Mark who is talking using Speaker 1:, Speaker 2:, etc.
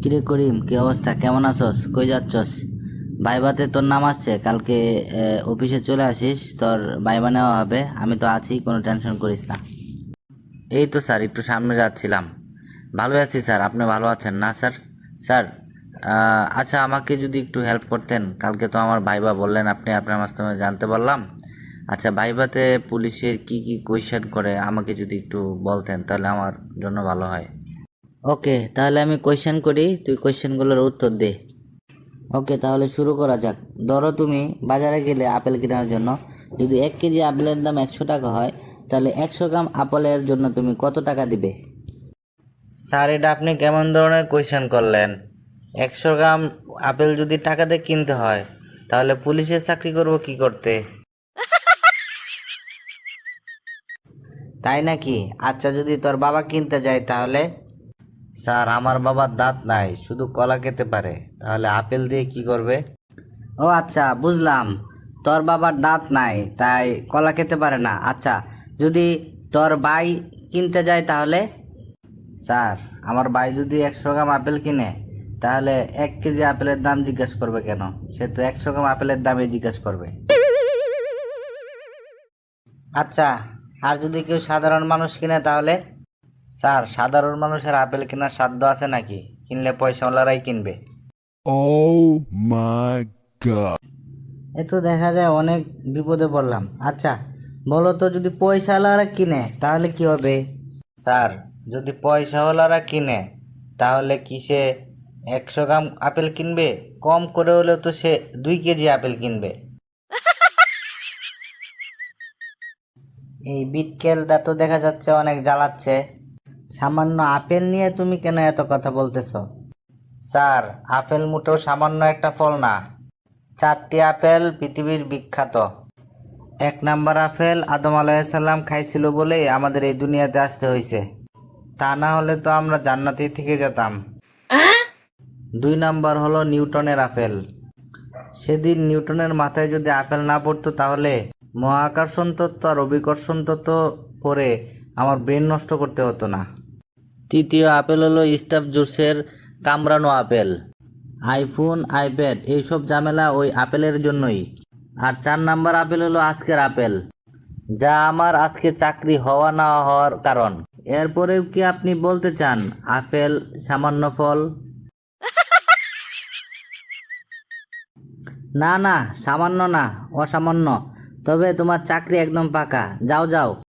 Speaker 1: কিরে করিম, কি অবস্থা? কেমন আছস? কই যাচ্ছস? ভাইবাতে তোর নাম আসছে কালকে। অফিসে চলে আসিস, তোর ভাইবা নেওয়া হবে। আমি তো আছি, কোনো টেনশন করিস না। এই তো স্যার, একটু সামনে যাচ্ছিলাম। ভালো আছি স্যার, আপনি ভালো আছেন না স্যার? স্যার, আচ্ছা, আমাকে যদি একটু হেল্প করতেন। কালকে তো আমার ভাইবা বললেন, আপনি আপনার মাধ্যমে জানতে পারলাম। আচ্ছা, ভাইবাতে পুলিশের কি কি কোয়েশ্চেন করে আমাকে যদি একটু বলতেন, তাহলে আমার জন্য ভালো হয়। ওকে, তাহলে আমি কোয়েশ্চেন করি, তুই কোয়েশ্চেনগুলোর উত্তর দে। ওকে, তাহলে শুরু করা যাক। ধরো তুমি বাজারে গেলে আপেল কেনার জন্য। যদি 1 কেজি আপেলের দাম 100 টাকা হয়, তাহলে 100 গ্রাম আপেলের জন্য তুমি কত টাকা দিবে? স্যার, এটা আপনি কেমন ধরনের কোয়েশ্চেন করলেন? 100 গ্রাম আপেল যদি টাকা দিয়ে কিনতে হয়, তাহলে পুলিশের চাকরি করব কি করতে? তাই নাকি? আচ্ছা, যদি তোর বাবা কিনতে যায় তাহলে? স্যার, আমার বাবার দাঁত নাই, শুধু কলা খেতে পারে, তাহলে আপেল দিয়ে কি করবে? ও আচ্ছা, বুঝলাম। তোর বাবার দাঁত নাই, তাই কলা খেতে পারে না। আচ্ছা, যদি তোর ভাই কিনতে যায় তাহলে? স্যার, আমার ভাই যদি 100 গ্রাম আপেল কিনে, তাহলে 1 কেজি আপেলের দাম জিজ্ঞেস করবে কেন? সে তো 100 গ্রাম আপেলের দামই জিজ্ঞেস করবে। আচ্ছা, আর যদি কেউ সাধারণ মানুষ কিনে তাহলে? স্যার, সাধারণ মানুষের আপেল কেনার সাধ্য আছে নাকি? কিনলে পয়সাওয়ালারাই কিনবে।
Speaker 2: Oh my god.
Speaker 1: এ তো দেখা যায় অনেক বিপদে পড়লাম। আচ্ছা, বলো তো, যদি পয়সাওয়ালারা কিনে তাহলে কি হবে? স্যার, যদি পয়সাওয়ালারা কিনে, তাহলে কি সে 100 গ্রাম আপেল কিনবে? কম করে হলেও তো সে 2 কেজি আপেল কিনবে। এই বিটকেলটা তো দেখা যাচ্ছে অনেক জ্বালাচ্ছে। সামান্য আপেল নিয়ে তুমি কেন এত কথা বলতেছো? স্যার, আপেল মোটেও সামান্য একটা ফল না। 4টি আপেল পৃথিবীর বিখ্যাত। 1 নাম্বার আপেল আদম আলাইসাল্লাম খাইছিল বলেই আমাদের এই দুনিয়াতে আসতে হয়েছে। তা না হলে তো আমরা জান্নাতেই থেকে যেতাম। 2 নাম্বার হলো নিউটনের আপেল। সেদিন নিউটনের মাথায় যদি আপেল না পড়তো, তাহলে মহাকর্ষণ তত্ত্ব আর অভিকর্ষণ তত্ত্ব পড়ে আমার ব্রেন নষ্ট করতে হতো না। তৃতীয় আপেল হলো স্টাফ জুসের কামড়ানো আপেল। আইফোন, আইপ্যাড এইসব ঝামেলা ওই আপেলের জন্যই। আর 4 নাম্বার আপেল হলো আজকের আপেল, যা আমার আজকে চাকরি হওয়া না হওয়ার কারণ। এরপরেও কি আপনি বলতে চান আপেল সামান্য ফল? না না, সামান্য না, অসামান্য। তবে তোমার চাকরি একদম পাকা। যাও যাও।